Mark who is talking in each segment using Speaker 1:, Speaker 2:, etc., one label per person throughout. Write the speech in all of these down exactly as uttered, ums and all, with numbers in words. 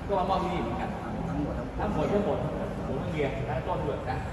Speaker 1: ก็มามอบที่นี่เหมือนกันทั้งหมดทั้งหมดผมต้องเรียนทั้งต้นด้วยนะ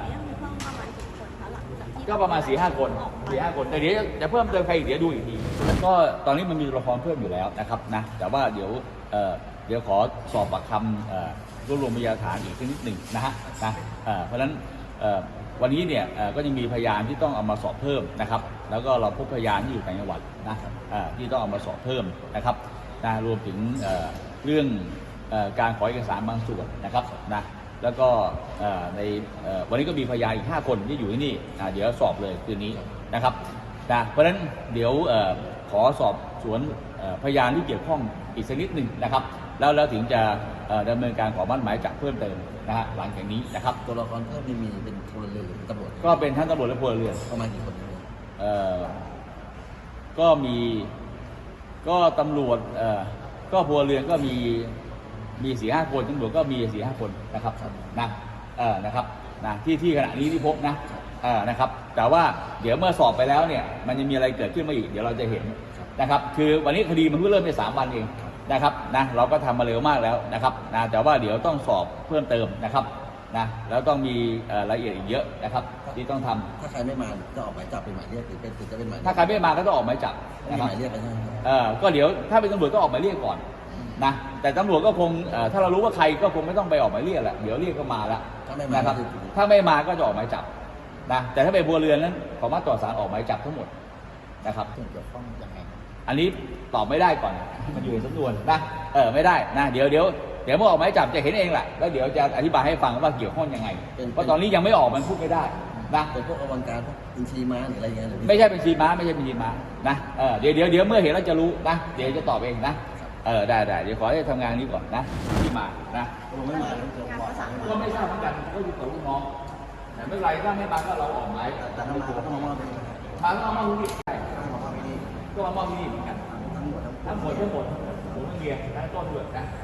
Speaker 1: ก็ประมาณสี่ห้าคนสี่ห้าคนแต่เดี๋ยวจะเพิ่มเติมใครอีกเดี๋ยวดูอีกทีก็ตอนนี้มันมีตัวละครเพิ่มอยู่แล้วนะครับนะแต่ว่าเดี๋ยวเอ่อเดี๋ยวขอสอบปากคำเอ่อรวบรวมพยานหลักฐานอีกนิดหนึ่งนะฮะนะเอ่อเพราะฉะนั้นเอ่อวันนี้เนี่ยเอ่อก็ยังมีพยานที่ต้องเอามาสอบเพิ่มนะครับแล้วก็เราพบพยานที่อยู่ต่างจังหวัดนะเอ่อที่ต้องเอามาสอบเพิ่มนะครับนะรวมถึงเอ่อเรื่องเอ่อการขอเอกสารบางส่วนนะครับนะแล้วก็ในวันนี้ก็มีพยานอีกห้าคนที่อยู่ที่นี่เดี๋ยวสอบเลยคืนนี้นะครับนะเพราะฉะนั้นเดี๋ยวขอสอบสวนพยานที่เกี่ยวข้องอีกสักนิดหนึ่งนะครับแล้วแล้วถึงจะดำเนินการขอมั่นหมายจับเพิ่มเติมนะฮะหลังจากนี้นะครับ
Speaker 2: ตัวละครเพิ่มนี่มีเป็นพลเรือนหรือเป็นตำรวจ
Speaker 1: ก็เป็นทั้งตำรวจและพลเรือน
Speaker 2: ประมาณกี่คน
Speaker 1: เอ่อก็มีก็ตำรวจเอ่อก็พลเรือนก็มีมีสี่ห้าคนตำรวจก็มีสี่ห้าคนนะครับนะเออนะครับนะที่ที่ขณะนี้ที่พบนะเออนะครับแต่ว่าเดี๋ยวเมื่อสอบไปแล้วเนี่ยมันจะมีอะไรเกิดขึ้นมาอีกเดี๋ยวเราจะเห็นนะครับคือวันนี้คดีมันเพิ่งเริ่มในสามวันเองนะครับนะเราก็ทำมาเร็วมากแล้วนะครับนะแต่ว่าเดี๋ยวต้องสอบเพิ่มเติมนะครับนะแล้วต้องมีรายละเอียดอีกเยอะนะครับที่ต้องทำ
Speaker 2: ถ้าใครไม่มาจะออกหมายจับเป็นหมายเรียกหรือเป็นจะเป็นหมาย
Speaker 1: ถ้าใครไม่มาก็ต้องออกหมายจับ
Speaker 2: นะครับหมายเรียกไปใช่ไหม
Speaker 1: เออก็เดี๋ยวถ้าเป็นตำรวจก็ออกหมายเรียกก่อนนะแต่ตำรวจก็คงถ้าเรารู้ว่าใครก็คงไม่ต้องไปออกหมายเรียกแหละเดี๋ยวเรียกก็มาแล้วนะครับถ้าไม่มาก็จะออกหมายจับนะแต่ถ้าเป็นบัวเรือนนั้นขอมาต่อศาลออกหมายจับทั้งหมดนะครับ
Speaker 2: เกี่ยวข้องยังไง
Speaker 1: อันนี้ตอบไม่ได้ก่อนมันอยู่ในสำนวนนะเออไม่ได้นะเดี๋ยวเดี๋ยวเดี๋ยวเมื่อออกหมายจับจะเห็นเองแหละแล้วเดี๋ยวจะอธิบายให้ฟังว่าเกี่ยวข้องยังไงเพราะตอนนี้ยังไม่ออกมันพูดไม่ได้นะ
Speaker 2: เป็นพวกอวังการพวกบัญชีม้าหรืออะไรเงี้ย
Speaker 1: ไม่ใช่บัญชีม้าไม่ใช่บัญชีม้านะเออเดี๋ยวเดี๋ยวเดี๋ยวเมื่อเห็นแล้วจะรู้นะเดี๋ยวจะตอบเองนะเออได้ได้เดี๋ยวขอให้ทำงานนี้ก่อนนะที่มานะ
Speaker 2: ไม่มา
Speaker 1: ก็ไม่ทราบเหมือนกันก็อยู่กับลูกน้องแต่ไม่ไรถ้าไม่มาก็เราออกหมาย
Speaker 2: แต่ถ้ามาก็ต้องมามอบ
Speaker 1: มาก็มามอบที่ใช่ก็มามอบที่นี่เหมือนกันทั้งหมดทั้งหมดผมต้องเรียนทั้งต้นด้วยนะ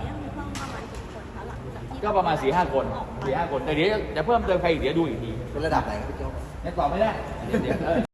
Speaker 1: ก็ประมาณสี่ห้าคนสี่ห้าคนแต่เดี๋ยวจะเพิ่มเติมใครอีกเดี๋ยวดูอีกที
Speaker 2: เป็นระดับไหนครับพี่โจ๊ก
Speaker 1: ยังตอบไม่ได้เดี๋ยว